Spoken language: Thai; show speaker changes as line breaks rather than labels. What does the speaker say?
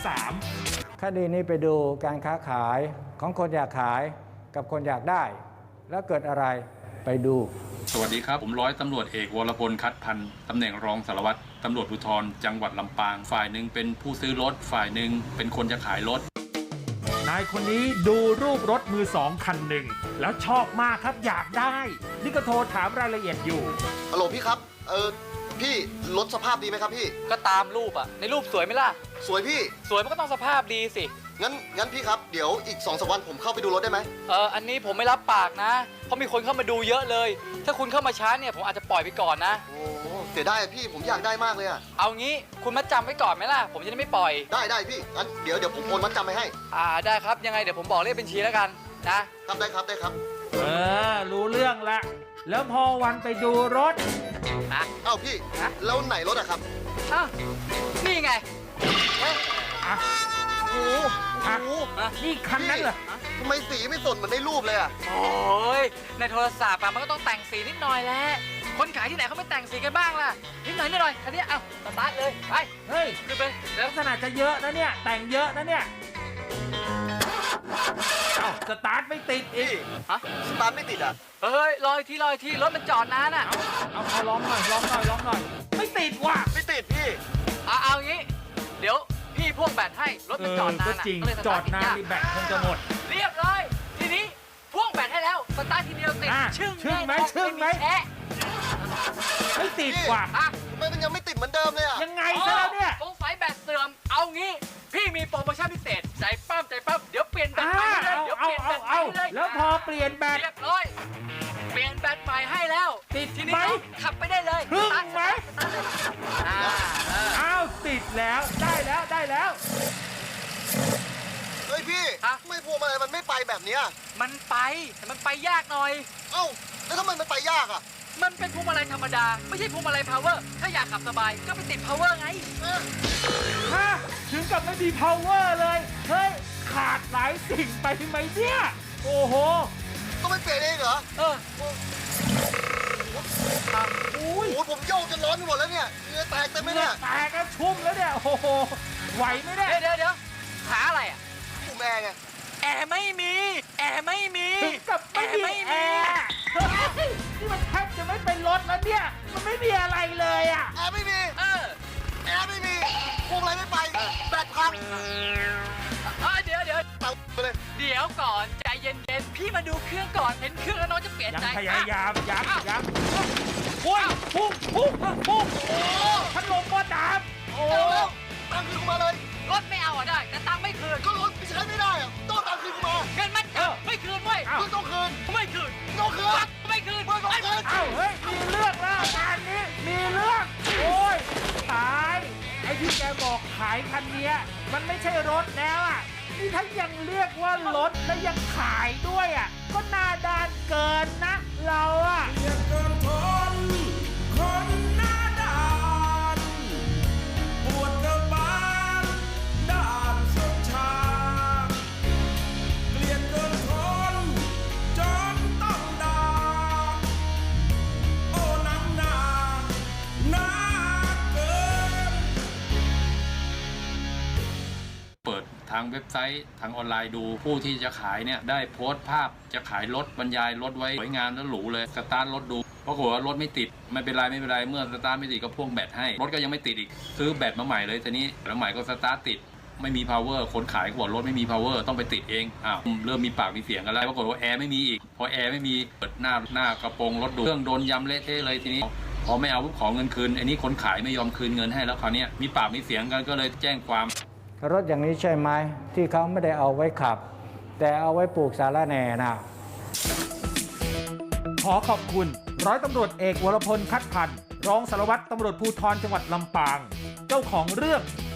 3
คดีนี้ไปดูการค้าขายของคนอยากขายกับคนอยากได้ แล้วเกิดอะไรไปดู
สวัสดีครับผมร้อยตำรวจเอกวรพลคัดพันธ์ตำแหน่งรองสารวัตรตำรวจภูธรจังหวัดลำปางฝ่ายหนึ่งเป็นผู้ซื้อรถฝ่ายหนึ่งเป็นคนจะขายรถ
นายคนนี้ดูรูปรถมือสองคันหนึ่งแล้วชอบมากครับอยากได้นี่ก็โทรถามรายละเอียดอยู่
ฮัลโหลพี่ครับ พี่รถสภาพดีไหมครับพี่
ก็ตามรูปอะในรูปสวยไหมล่ะ
สวยพี่
สวยมันก็ต้องสภาพดีสิ
งั้นพี่ครับ เดี๋ยวอีก2-3 วันผมเข้าไปดูรถได้ไหม
อันนี้ผมไม่รับปากนะ เพราะมีคนเข้ามาดูเยอะเลย ถ้าคุณเข้ามาช้าเนี่ยผมอาจจะปล่อยไปก่อนนะ
โอ้เสียดายอะพี่ผมอยากได้มากเลยอะ
เอางี้คุณมัดจำไว้ก่อนไหมล่ะ ผมจะได้ไม่ปล่อย
ได้พี่ งั้นเดี๋ยวผมโอนมัดจำไปให้
ได้ครับ ยังไงเดี๋ยวผมบอกเลขบัญชีแล้วกันนะ
ครับได้ครับ
รู้เรื่องละแล้วพอวันไปดูรถ
เอ้าพี่
ฮะ
แล้วไหนรถอะครับ
อ้าวนี่ไงเฮ้ย
อ่ะ
โอ้โห
อ่ะ
โอ้โห
นี่คันนั้นเหรอ
ทำไมสีไม่สดเหมือนในรูปเลยอะ
โอ้ยในโทรศัพท์อะมันก็ต้องแต่งสีนิดหน่อยแหละคนขายที่ไหนเขาไม่แต่งสีกันบ้างล่ะนิดหน่อยคันนี้เอาสตาร์ทเลยไป
เฮ้ย
ขึ้นไปเดี๋ยว
ลักษณะจะเยอะนะเนี่ยแต่งเยอะนะเนี่ยเอ้าสตาร์ทไม่ติดอีก
ฮะ
สตาร์ทไม่ติดอะ
เฮ้ยรออีกทีรถมันจอดนานอ่ะ
เอาลองหน่อยไม่ติดว่ะ
ไม่ติดพี่
เอางี้ เดี๋ยวพี่พ่วงแบตให้รถมันจอดนาน
ก็
อ่ะ
จริง
ก็เลยส
จอ
ตา
ด
ร์ทติด
นาน
ยาก
นี่แบตคงจะหมด
เรียบร้อยทีนี้พ่วงแบตให้แล้วสตาร์ททีเดียวติด
อ่ะ
ชึ่ง
ชึ่งไหม
แน่นอน
ชึ่งไหม
แอะ
ไม่ติดว่ะ
อ่ะ
ทำไมมันยังไม่ติดเหมือนเดิมเลยอะ
ยังไงซะแล้วเนี่ย
สงสัยแบตเสื่อมเอางี้ พี่มีโปรโมชั่นพิเศษใจปั้มเดี๋ยวเปลี่ยนแบตใหม่ให้เลยเดี๋ยวเปลี่ยนแบตใหม่ให้เลย
แล้วพอเปลี่ยนแบต
เรียบร้อยเปลี่ยนแบตใหม่ให้แล้ว
ติด
ทีนี้
ไหม
ขับไปได้เลย
ครึ่งไหม
อ่า
อ้าวติดแล้วได้แล้ว
เฮ้ยพี่ทำไมพวงมาลัยมันไม่ไปแบบเนี้ย
มันไปแต่มันไปยากหน่อย
เอ้าแล้วทำไมมันไปยากอะ
มันเป็นพวงมาลัยธรรมดา ไม่ใช่พวงมาลัยพาวเวอร์ ถ้าอยากขับสบายก็ไปติดพาวเวอร์ไง
ฮะถึงกับไม่มี power เลยเฮ้ยขาดหลายสิ่งไปไหมเนี่ยโอ้โห
ต้องไปเปลี่ยนเองเหรอ
เออ
อุ้
โอ้
ย
โหผมโยกจนร้อนไปหมดแล้วเนี่ยเหงื่อแตกเต็มไหม
เหงื่
เนี่
อย แตกกันชุ่มแล้วเนี่ยโอ้โหไหวไหมเนี่ย
เดี๋ยวหาอะไรอ่ะ
ผมแอร์ไง
แอร์ไม่มี
ถึงกับไม่มีแอร์เฮ้ยนี่มันแทบจะไม่เป็นรถแล้วเนี่ยมันไม่มีอะไรเลยอ่ะ
แอร์ไม่มี
เออ
แอร์ไม่มีพวงอะไรไม่ไปแบตพัง
เดี๋ยว
เต่าไปเลย
เดี๋ยวก่อนใจเย็นๆ พี่มาดูเครื่องก่อน เห็นเครื่องแล้วน้องจะเปลี่ยน
ยัง
ใจ
พยายามยัง
อ้าว
โอ้ยพุ่งโอ้พัดลมก็ดับโอ้
เอาแล้วตังค์คืนกูมาเลย
รถไม่เอาอ่ะได้ แต่ตังค์ไม่คืน
ก็รถใช้ไม่ได้อะต้องตังค์คืนกูมา
เงินมันไม่คืนเว้ย
มึงต้องคืน
ไม่คืน
ต้องคืน
ไม่คืน
มึงต้องคืน
เอ้าเฮ้ยมีเรื่องแล้วงานนี้มีเรื่องโอ้ยตายไอ้ที่แกบอกขายคันเนี้ยมันไม่ใช่รถแล้วอ่ะนี่ถ้ายังเรียกว่ารถและยังขายด้วยอ่ะก็หน้าด้านเกินนะเราอ่ะเกินทนคนหน้าด้านปวดกระบาลด้านสุดชาเกลียดเกินทนจนต้องด่าโอ้หนังหนาหนาเกิน
เปิดทางเว็บไซต์ทางออนไลน์ดูผู้ที่จะขายเนี่ยได้โพสต์ภาพจะขายรถบรรยายรถไว้สวยงามและหรูเลยสตาร์ทรถดูปรากฏว่ารถไม่ติดไม่เป็นไรเมื่อสตาร์ทไม่ติดก็พ่วงแบตให้รถก็ยังไม่ติดอีกซื้อแบตมาใหม่เลยทีนี้แล้วใหม่ก็สตาร์ทติดไม่มี power คนขายก็บอกรถไม่มี power ต้องไปติดเองอ้าวเริ่มมีปากมีเสียงกันแล้วปรากฏว่าแอร์ไม่มีอีกพอแอร์ไม่มีเปิดหน้ากระโปรงรถดูเครื่องโดนยำเละเทะเลยทีนี้พอไม่เอาปุ๊บขอเงินคืนไอ้นี่คนขายไม่ยอมคืนเงินให้แล้วคราวนี้มีปากมีเสียงกันก็เลยแจ้งความ
รถอย่างนี้ใช่ไหมที่เขาไม่ได้เอาไว้ขับ แต่เอาไว้ปลูกสาระแหน่น่ะ
ขอขอบคุณร้อยตำรวจเอกวรพลคัดพันธ์รองสารวัตรตำรวจภูธรจังหวัดลำปาง เจ้าของเรื่อง